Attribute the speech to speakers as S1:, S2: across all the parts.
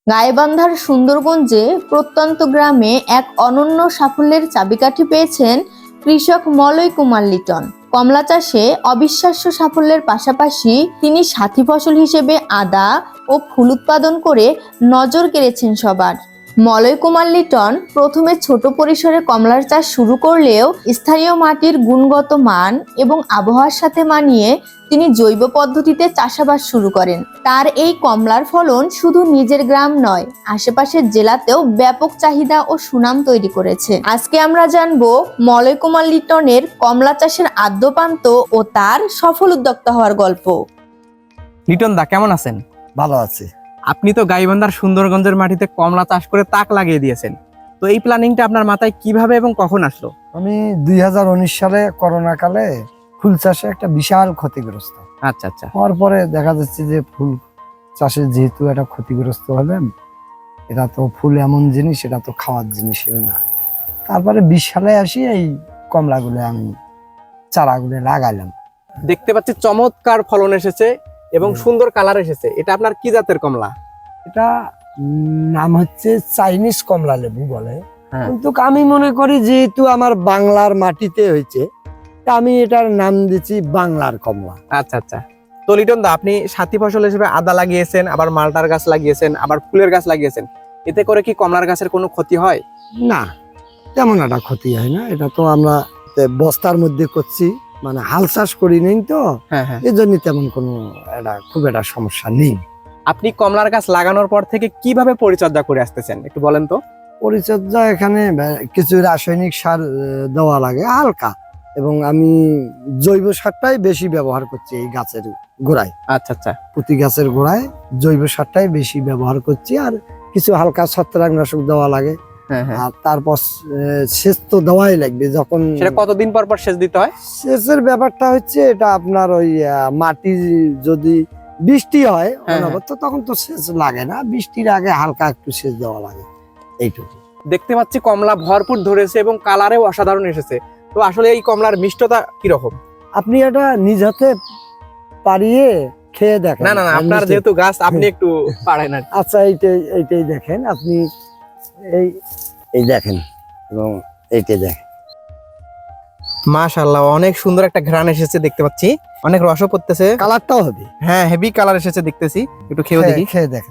S1: গাইবান্ধার সুন্দরগঞ্জে প্রত্যন্ত গ্রামে এক অনন্য সাফল্যের চাবিকাঠি পেয়েছেন কৃষক মলয় কুমার লিটন। কমলা চাষে অবিশ্বাস্য সাফল্যের পাশাপাশি তিনি সাথী ফসল হিসেবে আদা ও ফুল উৎপাদন করে নজর কেড়েছেন সবার। মলয় কুমার লিটন প্রথমে ছোট পরিসরে কমলার চাষ শুরু করলেও স্থানীয় মাটির গুণগত মান এবং আবহাওয়ার সাথে মানিয়ে তিনি জৈব পদ্ধতিতে চাষাবাদ শুরু করেন। তার এই কমলার ফলন শুধু নিজের গ্রাম নয়, আশেপাশের জেলাতেও ব্যাপক চাহিদা ও সুনাম তৈরি করেছে। আজকে আমরা জানবো মলয় কুমার লিটনের কমলা চাষের আদ্যোপান্ত ও তার সফল উদ্যোক্তা হওয়ার গল্প।
S2: লিটন দা, কেমন আছেন?
S3: ভালো আছি।
S2: আপনি তো গাইবান্ধার সুন্দরগঞ্জের মাটিতে কমলা চাষ করে তাক লাগিয়ে দিয়েছেন, তো এই প্ল্যানিংটা আপনার মাথায় কিভাবে এবং কখন আসলো?
S3: আমি 2019 সালে করোনা কালে ফুল চাষে একটা বিশাল ক্ষতিগ্রস্ত।
S2: আচ্ছা আচ্ছা।
S3: হওয়ার পরে দেখা যাচ্ছে যে ফুল চাষে যেহেতু একটা ক্ষতিগ্রস্ত হলেন, এটা তো ফুল এমন জিনিস, এটা তো খাওয়ার জিনিস না। তারপরে 20 সালে আসি এই কমলাগুলো আমি চারাগুলো লাগাইলাম।
S2: দেখতে পাচ্ছি চমৎকার ফলন এসেছে এবং সুন্দর কালার এসেছে। এটা আপনার কি জাতের কমলা?
S3: এটা নাম হচ্ছে চাইনিজ কমলা লেবু বলে।
S2: হ্যাঁ।
S3: কিন্তু আমি মনে করি যেহেতু আমার বাংলার মাটিতে হয়েছে, তা আমি এটার নাম দিচ্ছি বাংলার কমলা।
S2: আচ্ছা আচ্ছা। তো লিটন দা, আপনি সাথী ফসল হিসেবে আদা লাগিয়েছেন, আবার মালটার গাছ লাগিয়েছেন, আবার ফুলের গাছ লাগিয়েছেন। এতে করে কি কমলার গাছের কোনো ক্ষতি হয়?
S3: না, তেমন একটা ক্ষতি হয় না। এটা তো আমরা বস্তার মধ্যে করছি, মানে হাল চাষ করি নেই তো,
S2: হ্যাঁ হ্যাঁ।
S3: এই জন্য তেমন কোনো খুব একটা সমস্যা নেই।
S2: আপনি কমলার গাছ লাগানোর পর থেকে কিভাবে পরিচর্যা করে আসতেছেন একটু বলেন তো।
S3: পরিচর্যা এখানে কিছু রাসায়নিক সার দেওয়া লাগে হালকা, এবং আমি জৈব সারটাই বেশি ব্যবহার করছি এই গাছের গোড়ায়।
S2: আচ্ছা আচ্ছা।
S3: প্রতি গাছের গোড়ায় জৈব সারটাই বেশি ব্যবহার করছি, আর কিছু হালকা ছত্রাকনাশক দেওয়া লাগে।
S2: হ্যাঁ হ্যাঁ।
S3: আর তারপর সেচ তো দেওয়াই লাগবে। যখন
S2: সেটা কতদিন পর পর সেচ দিতে হয়?
S3: সেচের ব্যাপারটা হচ্ছে এটা আপনার ওই মাটি যদি বৃষ্টি হয় অনবরত, তখন তো সেচ লাগে না, বৃষ্টির আগে হালকা একটু সেচ দেওয়া লাগে, এইটুকু।
S2: দেখতে পাচ্ছি কমলা ভরপুর ধরেছে এবং কালারেও অসাধারণ এসেছে। তো আসলে এই কমলার মিষ্টতা কিরকম?
S3: আপনি এটা নিজ হাতে পারিয়ে খেয়ে দেখেন।
S2: না না না, আপনার যেহেতু গাছ, আপনি একটু পারেন আর কি।
S3: আচ্ছা, এইটাই দেখেন আপনি, এই দেখেন এবং এইটাই দেখেন।
S2: মাশাআল্লাহ, অনেক সুন্দর একটা ঘ্রাণ এসেছে দেখতে পাচ্ছি, অনেক রসও পড়তেছে।
S3: কালারটাও হবে,
S2: হ্যাঁ, হেভি কালার এসেছে দেখতেছি। একটু খেয়ে দেখি।
S3: খেয়ে দেখেন।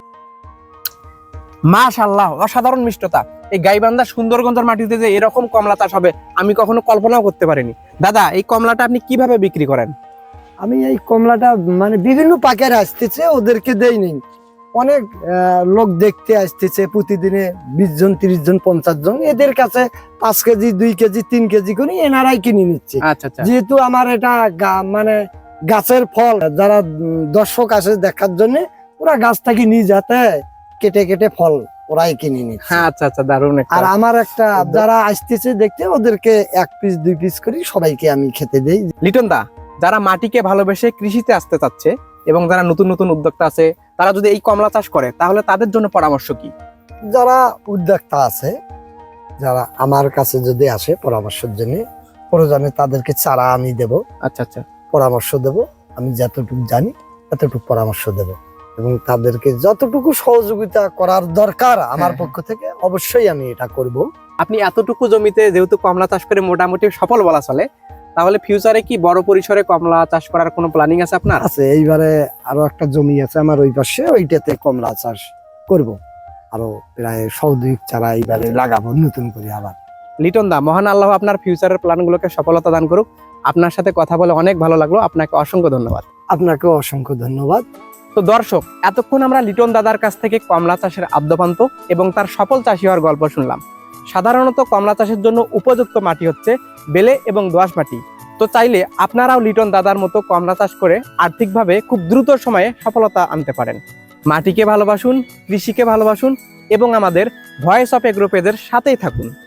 S2: মাশাআল্লাহ, অসাধারণ মিষ্টতা। এই গাইবান্ধা সুন্দরগঞ্জের মাটিতে যে এরকম কমলা চাষ হবে আমি কখনো কল্পনাও করতে পারিনি। দাদা, এই কমলাটা আপনি কিভাবে বিক্রি করেন?
S3: আমি এই কমলাটা মানে বিভিন্ন পাকের আসতেছে, ওদেরকে দেই নেই। অনেক লোক দেখতে আসতেছে প্রতিদিনে, 20 জন 30 জন 50 জন, এদের কাছে 5 কেজি 2 কেজি 3 কেজি করে এনারাই কিনে নিচ্ছে।
S2: আচ্ছা আচ্ছা।
S3: যেহেতু আমার এটা মানে গাছের ফল, যারা দর্শক আসে দেখার জন্য, ওরা গাছ থেকে নিজ হাতে কেটে কেটে ফল ওরাই কিনে নিচ্ছে।
S2: হ্যাঁ, আচ্ছা আচ্ছা, দারুণ একটা।
S3: আর আমার একটা যারা আসতেছে দেখতে, ওদেরকে 1 পিস 2 পিস করে সবাইকে আমি খেতে দেই।
S2: লিটন দা, যারা মাটিকে ভালোবেসে কৃষিতে আসতে চাচ্ছে এবং যারা নতুন নতুন উদ্যোক্তা আছে, তারা যদি এই কমলা চাষ করে তাহলে তাদের জন্য পরামর্শ কি?
S3: যারা উদ্যোক্তা আছে, যারা আমার কাছে যদি আসে পরামর্শের জন্য, প্রয়োজনে তাদেরকে চারা আমি দেব।
S2: আচ্ছা আচ্ছা।
S3: পরামর্শ দেব, আমি যতটুকু জানি ততটুকু পরামর্শ দেব, এবং তাদেরকে যতটুকু সহযোগিতা করার দরকার আমার পক্ষ থেকে অবশ্যই আমি এটা করব।
S2: আপনি এতটুকু জমিতে যেহেতু কমলা চাষ করে মোটামুটি সফল বলা চলে, তাহলে ফিউচারে কি বড় পরিসরে কমলা চাষ করার কোনো প্ল্যানিং আছে আপনার?
S3: আছে, এইবারে আরো একটা জমি আছে আমার ওই পাশে, ওইটাতে কমলা চাষ করব। আরো প্রায় 100-2 চারা এইবারে লাগাবো নতুন করে আবার।
S2: লিটন দা, মহান আল্লাহ আপনার ফিউচারের প্ল্যানগুলোকে সফলতা দান করুক। আপনার সাথে কথা বলে অনেক ভালো লাগলো, আপনাকে অসংখ্য ধন্যবাদ।
S3: আপনাকেও অসংখ্য ধন্যবাদ।
S2: তো দর্শক, এতক্ষণ আমরা লিটন দাদার কাছ থেকে কমলা চাষের আদ্যোপান্ত এবং তার সফল চাষী হওয়ার গল্প শুনলাম। সাধারণত কমলা চাষের জন্য উপযুক্ত মাটি হচ্ছে বেলে এবং দোআঁশ মাটি। তো চাইলে আপনারাও লিটন দাদার মতো কমলা চাষ করে আর্থিকভাবে খুব দ্রুত সময়ে সফলতা আনতে পারেন। মাটিকে ভালোবাসুন, কৃষিকে ভালোবাসুন এবং আমাদের ভয়েস অফ এগ্রো পেজের সাথেই থাকুন।